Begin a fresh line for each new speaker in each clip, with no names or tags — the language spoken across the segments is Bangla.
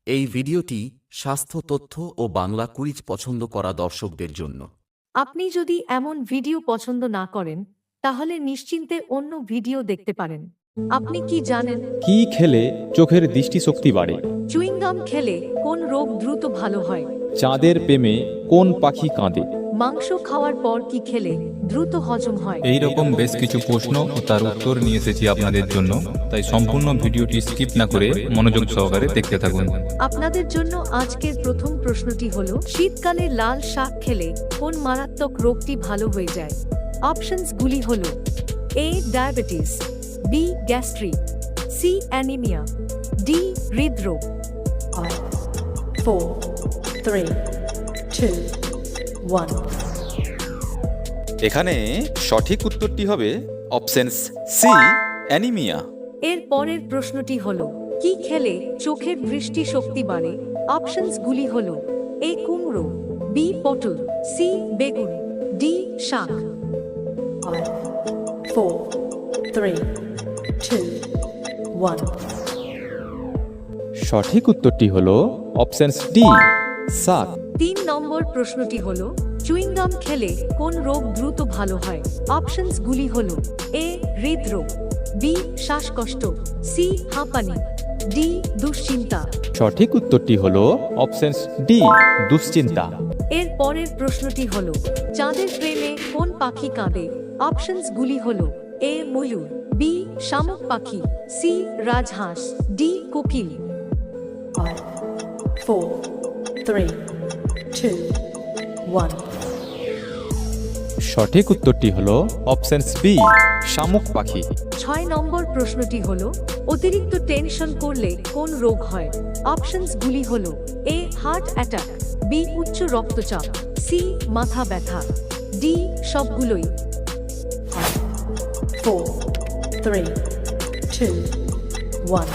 এই ভিডিওটি স্বাস্থ্য তথ্য ও বাংলা কুইজ পছন্দ করা দর্শকদের জন্য।
আপনি যদি এমন ভিডিও পছন্দ না করেন তাহলে নিশ্চিন্তে অন্য ভিডিও দেখতে পারেন। আপনি কি জানেন
কি খেলে চোখের দৃষ্টিশক্তি বাড়ে?
চুইংগাম খেলে কোন রোগ দ্রুত ভালো হয়?
চাঁদের প্রেমে কোন পাখি কাঁদে?
মাংস খাওয়ার পর কি খেলে দ্রুত হজম হয়?
এই রকম বেশ কিছু প্রশ্ন ও তার উত্তর নিয়ে এসেছি আপনাদের জন্য, তাই সম্পূর্ণ ভিডিওটি স্কিপ না করে মনোযোগ সহকারে দেখতে থাকুন।
আপনাদের জন্য আজকের প্রথম প্রশ্নটি হলো, শীতকালে লাল শাক খেলে কোন মারাত্মক রোগটি ভালো হয়ে যায়? অপশনসগুলি হলো A diabetes, B gastric, C anaemia, D হৃদরোগ।
5, 4, 3, 2, 1.
এখানে সঠিক উত্তরটি হবে অপশনস সি, অ্যানিমিয়া।
এর পরের প্রশ্নটি হলো, কি খেলে চোখের দৃষ্টি শক্তি বাড়ে? অপশনসগুলি হলো এ কুমড়ো, বি পটল, সি বেগুন, ডি শাক।
5, 4, 3, 2, 1.
সঠিক উত্তরটি হলো অপশনস ডি, শাক।
3 নম্বর প্রশ্নটি হলো, চুইংগাম খেলে কোন রোগ দ্রুত ভালো হয়? অপশনসগুলি হলো এ হৃদরোগ, বি শ্বাসকষ্ট, সি হাঁপানি, ডি দুশ্চিন্তা।
সঠিক উত্তরটি হলো অপশনস ডি, দুশ্চিন্তা।
এর পরের প্রশ্নটি হলো, চাঁদের প্রেমে কোন পাখি কাঁদে? অপশনসগুলি হলো এ ময়ূর, বি শামুক পাখি, সি রাজহাঁস, ডি কোকিল।
5, 4, 3, 2, 1.
সঠিক উত্তরটি হলো অপশনস বি, শামুক পাখি।
6 নম্বর প্রশ্নটি হলো, অতিরিক্ত টেনশন করলে কোন রোগ হয়? অপশনসগুলি হলো এ হার্ট অ্যাটাক, বি উচ্চ রক্তচাপ, সি মাথা ব্যথা, ডি সবগুলোই।
5, 4, 3, 2, 1.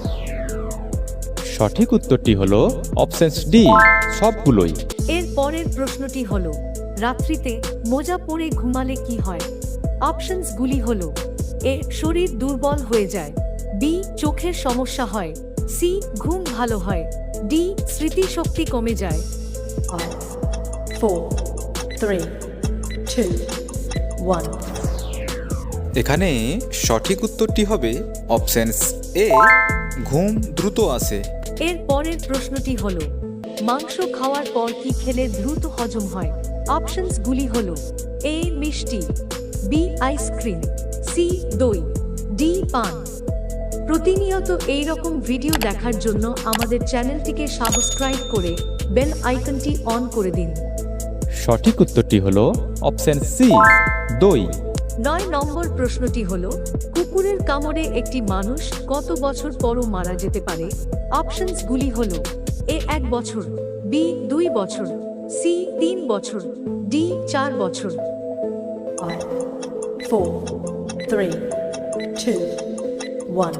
সঠিক উত্তরটি হলো অপশনস ডি, সবগুলোই।
এর পরের প্রশ্নটি হলো, রাত্রিতে মোজা পরে ঘুমালে কি হয়? অপশনসগুলি হলো এ শরীর দুর্বল হয়ে যায়, বি চোখের সমস্যা হয়, সি ঘুম ভালো হয়, ডি স্মৃতিশক্তি কমে যায়।
5, 4, 3, 2, 1.
এখানে সঠিক উত্তরটি হবে অপশনস এ, ঘুম দ্রুত আসে।
এর পরের প্রশ্নটি হলো, মাংস খাওয়ার পর কি খেলে দ্রুত হজম হয়? অপশনসগুলি হলো এ মিষ্টি, বি আইসক্রিম, সি দই, ডি পান। প্রতিনিয়ত এই রকম ভিডিও দেখার জন্য আমাদের চ্যানেলটিকে সাবস্ক্রাইব করে বেল আইকনটি অন করে দিন।
সঠিক উত্তরটি হলো অপশন সি, দই।
9 নম্বর প্রশ্নটি হলো, কুকুরের কামড়ে একটি মানুষ কত বছর পরও মারা যেতে পারে? অপশনসগুলি হলো এ 1 বছর, বি 2 বছর, সি 3 বছর, ডি 4 বছর।
5, 4, 3, 2, 1.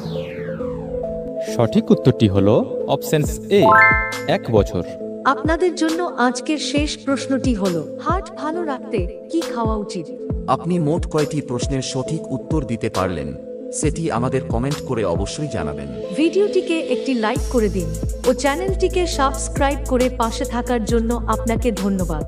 সঠিক উত্তরটি হলো অপশনস এ, 1 বছর।
আপনাদের জন্য আজকের শেষ প্রশ্নটি হলো, হার্ট ভালো রাখতে কি খাওয়া উচিত?
আপনি মোট কয়টি প্রশ্নের সঠিক উত্তর দিতে পারলেন সেটি আমাদের কমেন্ট করে অবশ্যই জানাবেন।
ভিডিওটিকে একটি লাইক করে দিন ও চ্যানেলটিকে সাবস্ক্রাইব করে পাশে থাকার জন্য আপনাকে ধন্যবাদ।